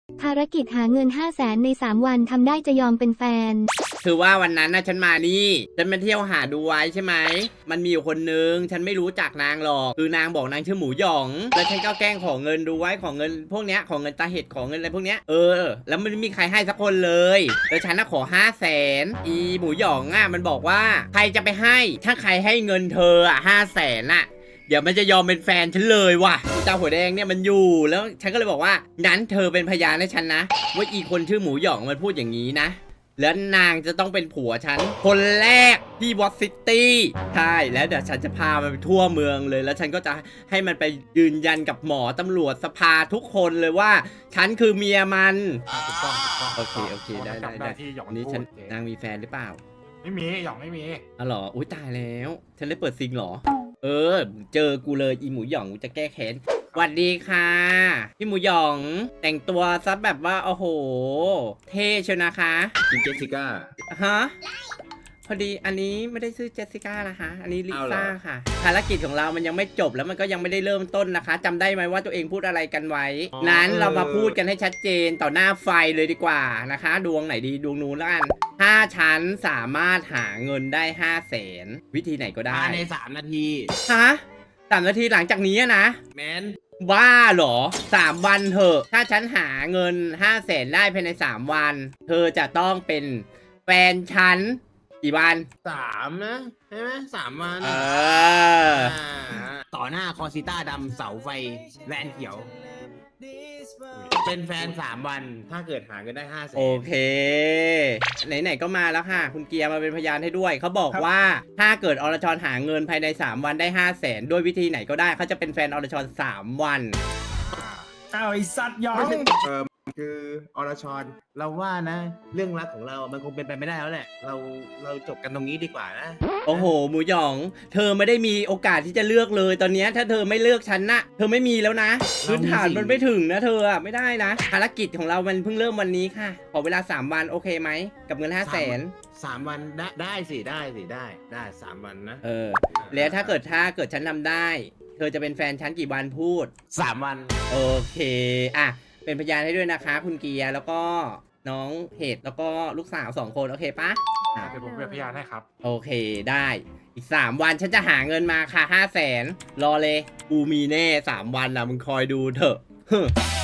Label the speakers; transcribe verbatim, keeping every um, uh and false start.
Speaker 1: ภารกิจหาเงินห้าแสนในสามวันทำได้จะยอมเป็นแฟน
Speaker 2: คือว่าวันนั้นนะฉันมานี่ฉันมาเที่ยวหาดูไว้ใช่ไหมมันมีอยู่คนนึงฉันไม่รู้จักนางหรอกคือนางบอกนางชื่อหมูหยองแล้วฉันก็แกล้งขอเงินดูไว้ของเงินพวกเนี้ยของเงินตาเห็ดของเงินอะไรพวกเนี้ยเออแล้วมันไม่มีใครให้สักคนเลยแล้วฉันน่ะขอห้าแสนอีหมูหยองอ่ะมันบอกว่าใครจะไปให้ถ้าใครให้เงินเธออ่ะห้าแสนอ่ะเดี๋ยวมันจะยอมเป็นแฟนฉันเลยว่ะเจ้าหัวแดงเนี่ยมันอยู่แล้วฉันก็เลยบอกว่างั้นเธอเป็นพยานให้ฉันนะว่าอีคนชื่อหมูหยองมันพูดอย่างนี้นะแล้วนางจะต้องเป็นผัวฉันคนแรกที่วอตซิตี้ใช่แล้วเดี๋ยวฉันจะพามันไปทั่วเมืองเลยแล้วฉันก็จะให้มันไปยืนยันกับหมอตำรวจสภาทุกคนเลยว่าฉันคือเมียมัน
Speaker 3: ถูกต้องถูกต้อง
Speaker 2: โอเคโอเคได้ได้ได้
Speaker 3: ที่หยอง
Speaker 2: นี่ฉัน
Speaker 3: พูด
Speaker 2: นางมีแฟนหรือเปล่า
Speaker 3: ไม่มีหยองไม่มี
Speaker 2: อ๋อเหรออุ้ยตายแล้วฉันได้เปิดซิงเหรอเออเจอกูเลยอีหมูหยองกูจะแก้แค้นสวัสดีค่ะพี่หมูหยองแต่งตัวซะแบบว่าโอ้โหเท่เชียวนะคะ
Speaker 4: คุณเจสสิก้า
Speaker 2: ฮะพอดีอันนี้ไม่ได้ชื่อเจสสิก้านะคะอันนี้ลิ
Speaker 4: เอาเหรอ
Speaker 2: ซ่าค่ะภารกิจของเรามันยังไม่จบแล้วมันก็ยังไม่ได้เริ่มต้นนะคะจำได้ไหมว่าตัวเองพูดอะไรกันไว้นั้นเรามาพูดกันให้ชัดเจนต่อหน้าไฟเลยดีกว่านะคะ ดวงไหนดีดวงนู้นละกันถ้าฉันสามารถหาเงินได้ห้าแสนวิธีไหนก็ได้
Speaker 4: ภายในสามนาที
Speaker 2: ฮะสามนาทีหลังจากนี้นะ
Speaker 4: แมน
Speaker 2: บ้าเหรอสามวันเถอะถ้าฉันหาเงินห้าแสนได้ภายในสามวัน เธอจะต้องเป็นแฟนฉันกี่วัน
Speaker 4: สามนะใช่ไหมสามวัน
Speaker 2: เออ
Speaker 4: าต่อหน้าคอซิต้าดำเสาไฟแวนเขียว เป็นแฟนสามวัน ถ้าเกิดหาเงินได้ห้าแสน
Speaker 2: โอเค ไหนๆก็มาแล้วค่ะ คุณเกียร์มาเป็นพยานให้ด้วย เขาบอกว่าถ้าเกิดอรชรหาเงินภายในสามวันได้ห้าแสนด้วยวิธีไหนก็ได้เขาจะเป็นแฟนอรชรสามวัน
Speaker 5: อ้าวไอสัตว์หยอง
Speaker 4: เออคืออรชรเราว่านะ เรื่องรักของเรา มันคงเป็นไปไม่ได้แล้วแหละ เราเราจบกันตรงนี้ดีกว่านะ
Speaker 2: โอ้โหหมูหยอง เธอไม่ได้มีโอกาสที่จะเลือกเลยตอนนี้ถ้าเธอไม่เลือกฉันนะเธอไม่มีแล้วนะพื้นฐานมันไม่ถึงนะเธออะไม่ได้นะภารกิจของเรามันเพิ่งเริ่มวันนี้ค่ะขอเวลาสามวันโอเคไหมกับเงินห้าแสน
Speaker 4: สามวันได้ได้สิได้สิได้ได้สามวันนะ
Speaker 2: เออแล้วถ้าเกิดถ้าเกิดฉันทำได้ เธอจะเป็นแฟนฉันกี่วันพูด
Speaker 4: สามวัน
Speaker 2: โอเคอ่ะเป็นพยานให้ด้วยนะคะ คุณเกียร์แล้วก็น้องเหตุแล้วก็ลูกสาวสองคนโอเคปะอ่ะ
Speaker 3: เดี๋ยวผมเป็นพยานให้ครับ
Speaker 2: โอเคได้อีกสามวันฉันจะหาเงินมาค่ะห้าแสนรอเลยกูมีแน่สามวันนะมึงคอยดูเถอะ